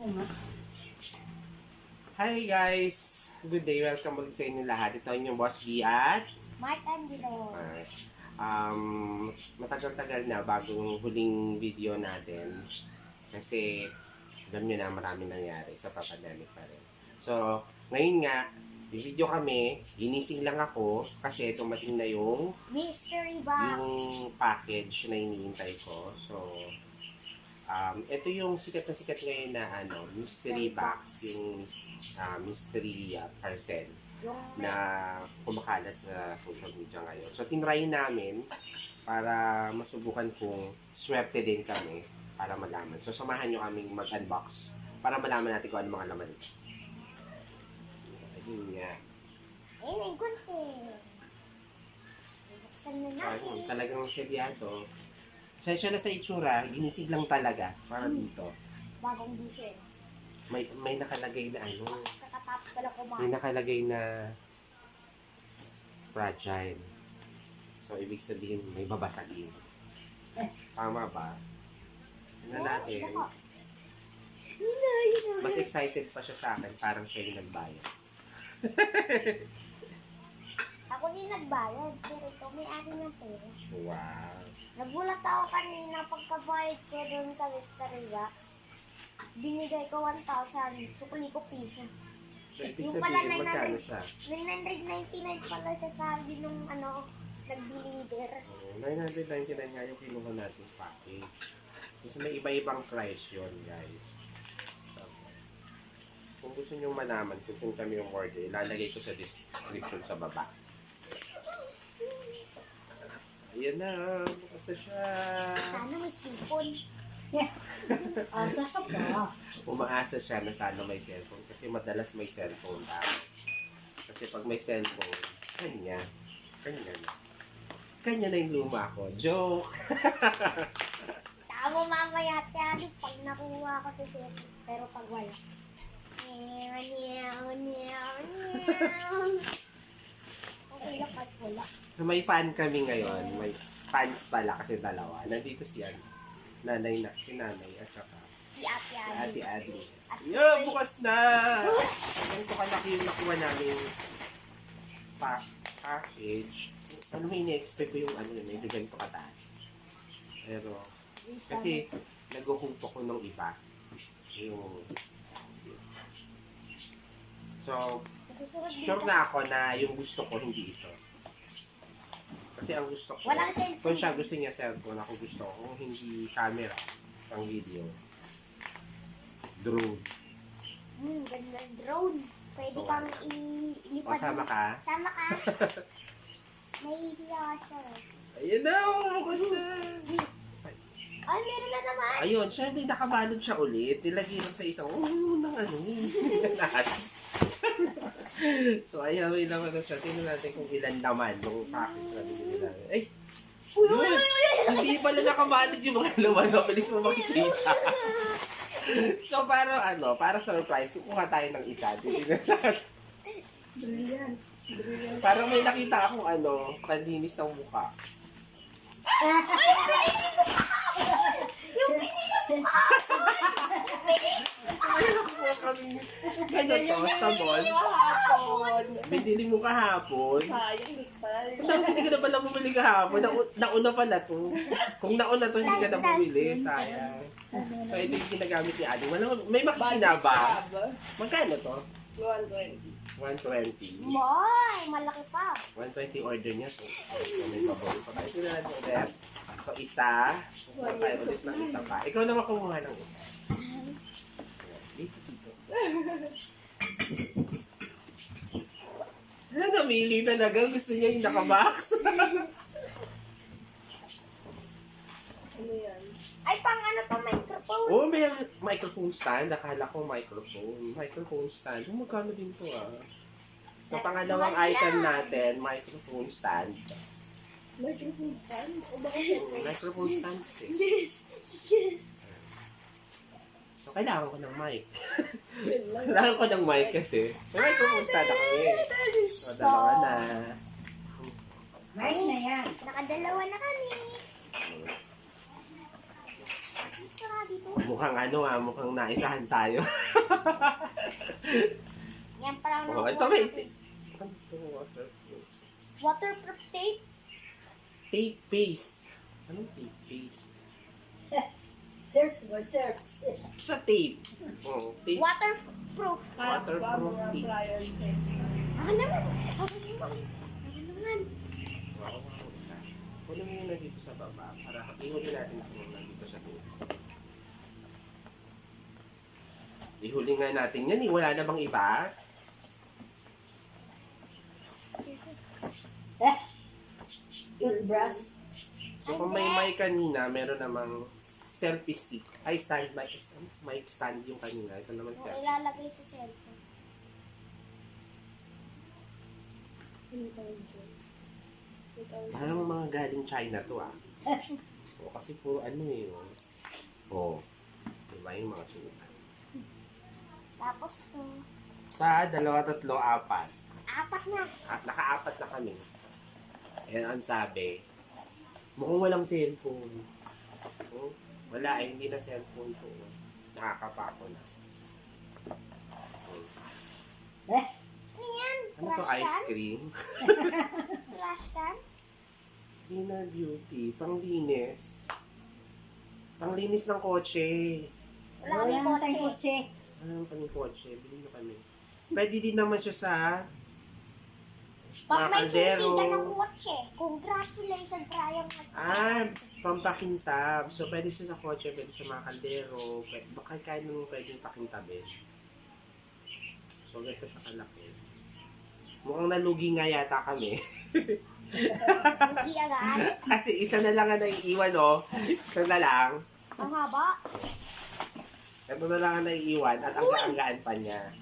Hi guys! Good day, welcome ulit sa inyo lahat. Ito yung Boss B at Mark Angelo. matagal-tagal na bagong huling video natin kasi alam nyo na marami nangyari sa pandemic pa rin. So, ngayon nga, video kami, ginising lang ako kasi tumating na yung Mystery box. yung package na iniintay ko. So, ito yung sikat ngayon na mystery box, yung mystery parcel Yung na kumakalat sa social media ngayon. So, tinry namin para masubukan kung swerte din kami para malaman. So, samahan nyo kaming mag-unbox para malaman natin kung ano mga laman ito. Ayun nga. ayun ang kunti. Buksan na So, natin. ayun, talagang seryado. Sensya na sa itsura, ginisig lang talaga para dito. Bagong gising. May nakalagay na Kakatapos pala may kumain. nakalagay na fragile. So, ibig sabihin, may babasagin. Tama ba? Tingnan natin. Mas excited pa siya sa akin, parang siya yung nagbayad. Ako din nagbayad, pero ito may akin ng pera. Wow. Nagulat ako kanina pagkabayad ko doon sa mystery box. Binigay ko 1,000, sukli ko piso. So, ibig Yung pala sabihin, magkano siya? 999 pala siya sabi nung nag-deliver. 999 nga yung kinuha natin package. Kasi may iba-ibang price yun, guys. So, kung gusto nyo malaman kung kami yung order, ilalagay ko sa description sa baba. Ayan na, bukas na siya. Sana may sipon. Asa ka ba? Umaasa siya na sana may cellphone kasi madalas may cellphone tayo. Kasi pag may cellphone, kanya na. Kanya na yung luma ko. Joke! Tama mamaya yan pag nakuha ko sa cellphone. Pero pag wala. Okay lang at wala. So may fan kami ngayon. May fans pala kasi dalawa. Nandito si si nanay at saka Si Ate si Ali. Ate Adi. At Yeah, bukas na! Ganito kalaki yung nakuha namin package. Ano may ini-expect ko yung medyo ganito kataas. Pero, kasi naghuhumpo ko nung iba. Yung... So, sure na ako na yung gusto ko hindi ito. Kasi ang gusto ko, Walang cellphone. kung siya gusto niya cellphone, ako gusto ko kung hindi camera, pang video. Drone. Ganda ng drone. Pwede So, kang O, ilipad. sama ka? Sama ka. Nahihiya siya. Ayun na, bukas na. Ay, meron na naman. Ayun, syempre nakabalot siya ulit. Nilagay lang sa isang, nang lahat. So, ayun, may laman na siya. Tingnan natin kung ilan naman yung package na binili namin. Ay! Yun! Hindi pala nakabalot yung mga laman. Mabilis mo makikita. So, para surprise, kukuha tayo ng isa. Titignan natin. Brilliant. Brilliant. Parang may nakita akong kalinis ng mukha. Ganyan sa mall. Binili mo kahapon. Sayang hiktal. Hindi ka na pala bumili kahapon. Nauna pala to. Kung nauna to, hindi ka na bumili. Sayang. So, ito yung ginagamit ni Adi. May makina ba? Magkano to? 120. 120. Moy, malaki pa. 120 order niya. So may paborito pa tayo. Sino natin ulit? So, isa. Kukuha tayo ulit ng isa pa. Ikaw naman kumuha ng isa. Dito. Namili talaga. Gusto niya yung nakabox. Ano yan? Ay, pang to, microphone. Oh, may microphone stand. Akala ko microphone. Microphone stand. Magkano din to So, pangalawang item natin, microphone stand. Microphone stand? O baka Microphone stand eh. Yes. Yes. So, kailangan ko ng mic. Kailangan ko ng mic kasi. May microphone stand ako eh. So, dalawa na. Mic na yan. Nakadalawa na kami. sara dito. Mukhang mukhang naisahan tayo. Yan parang Oh, ito may waterproof. waterproof tape. Tape paste. Anong tape paste? Search mo, search. Sa tape. Oh, tape. Waterproof. Waterproof Mga tape. appliances. Ako naman. Ako naman. Ako naman. Wow. Kunin mo yun na dito sa baba para ihuli natin kung nandito sa loob. Ihuli nga natin yan eh. Wala na bang iba? Toothbrush. So kung may mic kanina, meron namang selfie stick. Ay, stand mic. Mic stand yung kanina. Ito naman Yung selfie stick. ilalagay sa cellphone. Parang mga galing China to ah. O, kasi puro Oh. Diba yung mga sunutan? Tapos to. Sa 2, 3, 4. 4 na. At naka-4 na kami. Yan ang sabi. Mukhang walang cellphone. Oh, wala hindi na cellphone to. Nakakapako na. Ano yan? Ano to, Trash ice can? cream? Trash can? Inner beauty, panglinis. Panglinis ng kotse. Wala kami Wala tayong kotse. kotse. Ano pang kotse? Bilhin na kami. Pwede din naman siya sa Pag may kaldero. susi ka ng kotse, congratulations, Brian. Pampakintab. So, pwede siya sa kotse, pwede sa mga kaldero. Baka kahit naman pwedeng pakintabin. So, ganito siya kalaki. Mukhang nalugi nga yata kami. Hindi agad. Kasi isa na lang ang naiiwan, oh. Isa na lang. Ang haba. Ito na lang ang naiiwan at ang gaanggaan pa niya.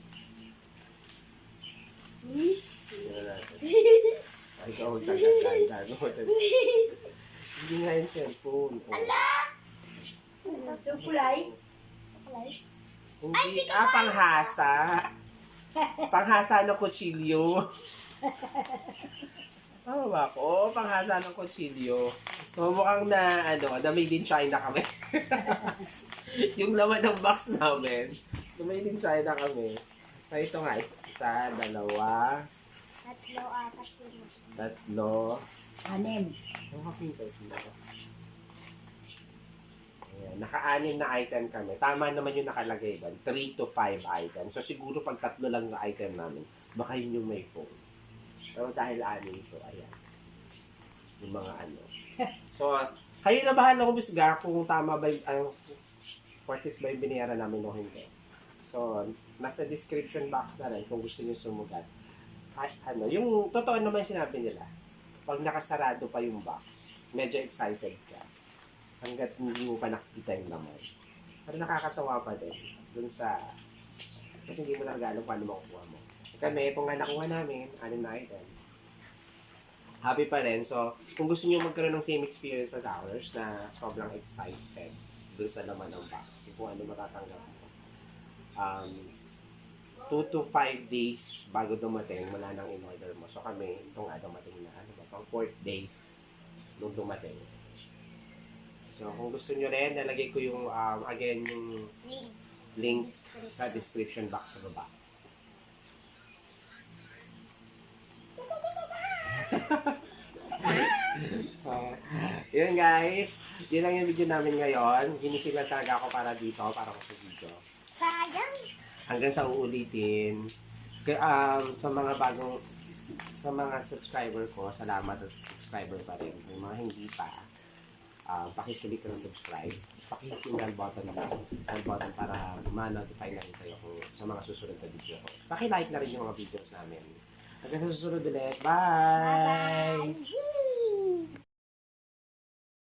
Miss. Tingnan natin. Ay, ikaw ang taga-ganda. Hindi nga yung cellphone. Oh. So, kulay. Kulay. Hindi, panghasa. Panghasa ng kutsilyo. Tama ba ako? Oo, panghasa ng kutsilyo. So, mukhang na made in China kami. Yung laman ng box namin, na made in China kami. So, ito nga, 1, 2, 3, 4, 5. 6. Ang kapinta ito. Ayan, naka-6 na item kami. Tama naman yung nakalagay ba? 3 to 5 items. So siguro pag 3 lang na item namin, baka yun yung may phone. Pero dahil 6, so ayan. Yung mga So, kayo na bahala kumisga kung tama ba yung, worth it ba yung binayaran namin o hindi. So, nasa description box na rin kung gusto niyo sumugat. Yung totoo naman sinabi nila, pag nakasarado pa yung box, medyo excited ka. Hanggat hindi mo pa nakikita yung laman. Pero nakakatawa pa din. Dun sa... Kasi hindi mo na regalo paano makukuha mo. Kami, kung nga nakuha namin, 6 na item. Happy pa rin. So, kung gusto niyo magkaroon ng same experience as ours, na sobrang excited dun sa laman ng box, kung ano matatanggap mo. 2 to 5 days bago dumating, wala nang in-order mo. So kami, ito nga dumating na, pang 4th day nung dumating. So kung gusto nyo rin, nalagay ko yung, again, yung link sa description box sa baba. Yun guys, yun lang yung video namin ngayon. Ginising lang talaga ako para dito, para ko sa video. Sayang. Hanggang sa uulitin. Sa mga subscriber ko, salamat at subscriber pa rin. Yung mga hindi pa, pakiclick ng subscribe. Pakiclick yung bell button para ma-notify na rin kayo kung sa mga susunod na video ko. Pakilike na rin yung mga videos namin. Hanggang sa susunod ulit. Bye! Bye-bye.